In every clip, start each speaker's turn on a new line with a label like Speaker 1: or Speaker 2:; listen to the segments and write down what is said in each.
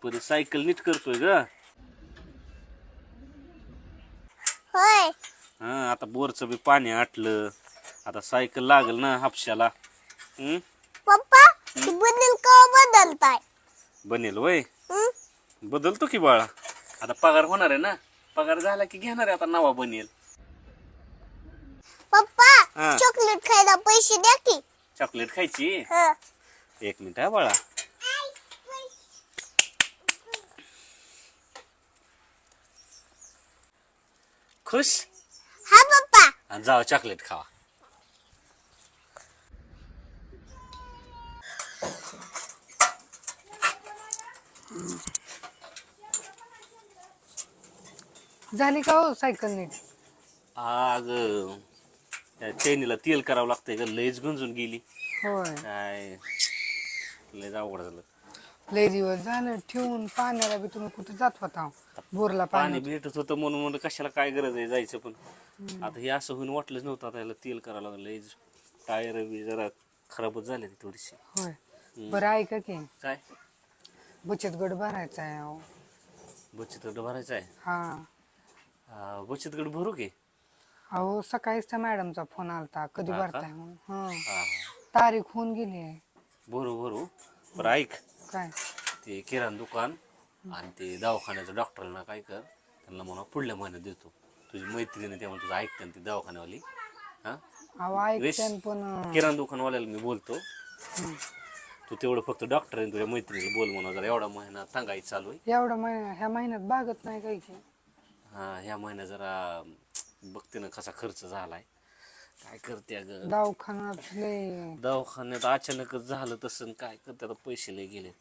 Speaker 1: परी सायकल नीट करतोय ग.
Speaker 2: होय.
Speaker 1: हा आता बोरचं बी पाणी आटलं. आता सायकल लागल ना हापशाला.
Speaker 2: पप्पा ती बदल का बदलताय?
Speaker 1: बनेल वय.
Speaker 2: हं?
Speaker 1: बदलतो की बाळा. आता पगार होणार आहे ना. पगार झाला की घेणार आहे आता नवा बनेल.
Speaker 2: पप्पा
Speaker 1: हा.
Speaker 2: चॉकलेट खायला पैसे द्या की.
Speaker 1: चॉकलेट खायची.
Speaker 2: हं.
Speaker 1: 1 मिनिट हा बाळा. खुश.
Speaker 2: हा पप्पा.
Speaker 1: आणि जावा चॉकलेट खावा.
Speaker 3: झाली का हो सायकल नीट?
Speaker 1: आग त्या चैनीला तेल करावं लागतंय ग. लयच गंजून गेली.
Speaker 3: होय.
Speaker 1: काय लयच अवघड झालं.
Speaker 3: लय दिवस झालं ठेवून. पाण्याला बी तुम्ही कुठे जात होता बोरला
Speaker 1: पाणी
Speaker 3: पाणी?
Speaker 1: भेटत होतं म्हणून म्हणलं कशाला काय गरज आहे जायचं. पण आता हे असं होऊन वाटलंच नव्हतं. आता याला तेल करावं लागलं. लयच टायर बी जरा खराबच झाले थोडीशी.
Speaker 3: होय. बरं ऐका की
Speaker 1: काय
Speaker 3: बचत गट भरायचा आहे अहो.
Speaker 1: बचत गट भरायचा आहे. बचत गट भरू की.
Speaker 3: अहो सकाळीच त्या मॅडमचा फोन आलता कधी
Speaker 1: हा का?
Speaker 3: भरताय म्हणून.
Speaker 1: हा हा
Speaker 3: तारीख होऊन गेली आहे.
Speaker 1: भरू भरू. बरं ऐक,
Speaker 3: काय?
Speaker 1: ते किराणा दुकान आणि ते दवाखान्याचं डॉक्टरांना काय कर, त्यांना म्हणा पुढल्या महिन्यात देतो. तुझी मैत्रिणी त्यामुळे तुझं ऐकते ती दवाखान्यावाली. हा
Speaker 3: अहो ऐकते पण
Speaker 1: किराणा दुकानवाल्याला मी बोलतो. तू तेवढं फक्त डॉक्टर आणि तुझ्या मैत्रिणीला बोल म्हणा. जरा एवढा महिना सांगायचं चालू आहे.
Speaker 3: एवढा महिना ह्या महिन्यात बागत नाही काही की.
Speaker 1: हा ह्या महिन्यात जरा बघते ना कसा खर्च झालाय. काय करते अगं.
Speaker 3: दवाखान्यात लय.
Speaker 1: दवाखान्यात अचानकच झालं तसं. काय करते आता पैसे लय गेले.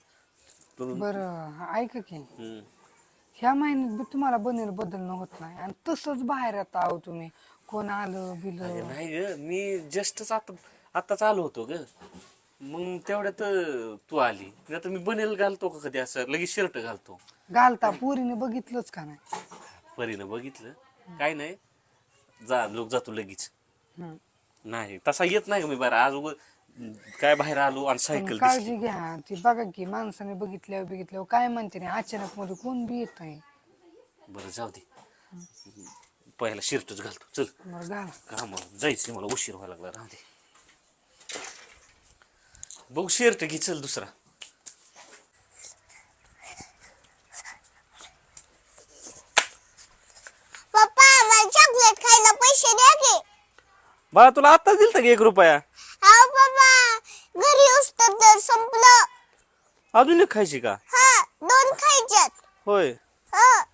Speaker 3: बरं ऐका की
Speaker 1: हम्म.
Speaker 3: ह्या महिन्यात बी तुम्हाला बनेल बदलणं होत नाही आणि तसंच बाहेर येता आहो तुम्ही. कोण आलं बिलं.
Speaker 1: नाही ग मी जस्टच आताच आलो होतो ग. मग तेवढ्यात तू आली. नाही तर मी बनेल घालतो का कधी असं लगेच शर्ट घालतो.
Speaker 3: घालता पोरीने बघितलंच का नाही?
Speaker 1: परीनं बघितलं. काय नाही जा लोक जातो लगेच.
Speaker 3: हम्म.
Speaker 1: नाही तसा येत नाही का मी बाहेर. आज काय बाहेर आलो आणि
Speaker 3: पण
Speaker 1: सायकल
Speaker 3: काळजी घ्या. ती बघा की माणसाने बघितल्यावर काय म्हणते नाही अचानक मध्ये कोण बी येत आहे.
Speaker 1: बरं जाऊ दे. पहिला शर्टच घालतो चल.
Speaker 3: बरं घाला.
Speaker 1: का मग जायचं मला उशीर व्हायला लागला. राहू दे. बघ शर्ट घे चल दुसरा.
Speaker 2: पप्पा मला चॉकलेट खायला पैसे द्या की.
Speaker 1: बाळा तुला आत्ताच दिलता की 1 रुपया.
Speaker 2: हा पप्पा घरी उस्तर तर संपलं.
Speaker 1: अजून एक खायची का?
Speaker 2: हा 2 खायच्यात.
Speaker 1: होय.
Speaker 2: हा.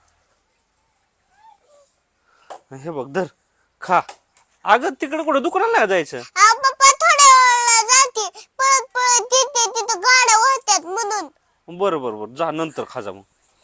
Speaker 1: हे बघ धर खा. अगं तिकडे कुठं दुकानाला नाही जायचं.
Speaker 2: हा पप्पा थोड्या वेळाला जाते. पळत पळत येते तिथं गाड्या होत्यात म्हणून.
Speaker 1: बरं बरं बरं जा नंतर खा जा मग.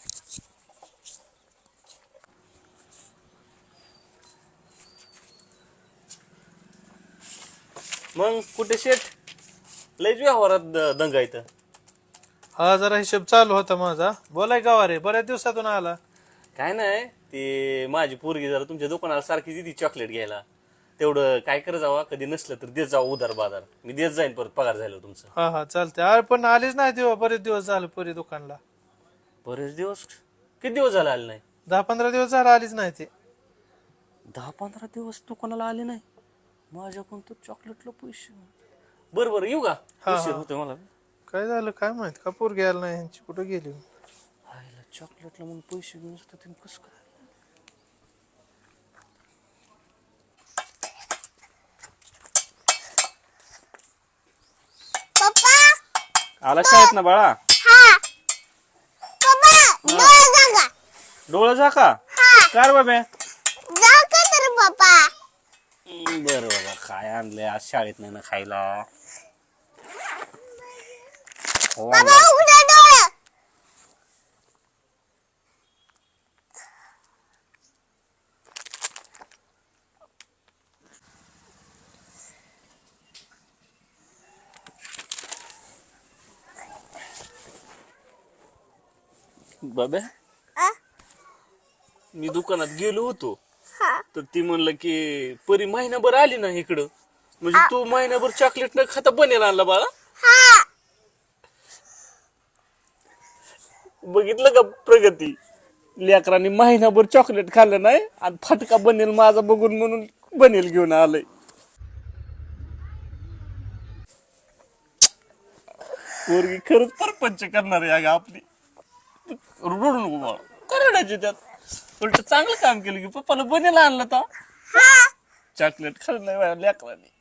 Speaker 1: मग कुठे शेठ लयच व्यवहारात दंगा इथं.
Speaker 4: हा जरा हिशोब चालू होता माझा. बोलाय गावा रे बऱ्याच दिवसातून आला.
Speaker 1: काय नाही ते माझी पोरगी जरा तुमच्या दुकानाला सारखी दिली चॉकलेट घ्यायला. तेवढं काय कर जावा. कधी नसलं तर देत जावा उधार बाजार. मी देत जाईन परत पगार झालं तुमचं.
Speaker 4: हा हा चालतंय. अरे पण आलीच नाही तेव्हा बरेच दिवस झाले पुरी दुकानला.
Speaker 1: बरेच दिवस. किती दिवस झाले आले नाही?
Speaker 4: 10-15 दिवस झाले आलीच नाही ते.
Speaker 1: 10-15 दिवस दुकानाला आले नाही. माझ्याकडून तर चॉकलेटला पैसे. बरं बरं येऊ का? उशीर होतोय मला.
Speaker 4: काय झालं काय माहित का पोर घ्यायला नाही ह्यांची कुठं गेली.
Speaker 1: आईला चॉकलेटला म्हणून पैसे घेऊन असतात कसं काय?
Speaker 2: पप्पा
Speaker 1: आला शाळेत ना बाळा.
Speaker 2: हा पप्पा डोळे जागा.
Speaker 1: डोळा जा का? कार बाबा.
Speaker 2: जा का तर पप्पा.
Speaker 1: बरं बाबा काय आणलंय आज शाळेत नाही ना खायला. हो
Speaker 2: बाबा
Speaker 1: आणलंय.
Speaker 2: उघडा डोळे.
Speaker 1: बाबा
Speaker 2: आ?
Speaker 1: मी दुकानात गेलो होतो.
Speaker 2: हा.
Speaker 1: तर ती म्हणलं की परी महिनाभर आली ना इकडं. म्हणजे तू महिनाभर चॉकलेट न खाता बनेल आणला बाळा.
Speaker 2: हा.
Speaker 1: बघितलं का प्रगती? लेकरांनी महिनाभर चॉकलेट खाल्लं नाही आणि फटका बनेल माझा बघून म्हणून बनेल घेऊन आलंय. पोरगी खरंच परपंच करणार आहे अगं आपली. रडू नको बाळा, काय रडायचे त्यात? उलट चांगलं काम केलं की पप्पाला बनेल आणलं तर चॉकलेट खाल्लं नाही लेकरांनी.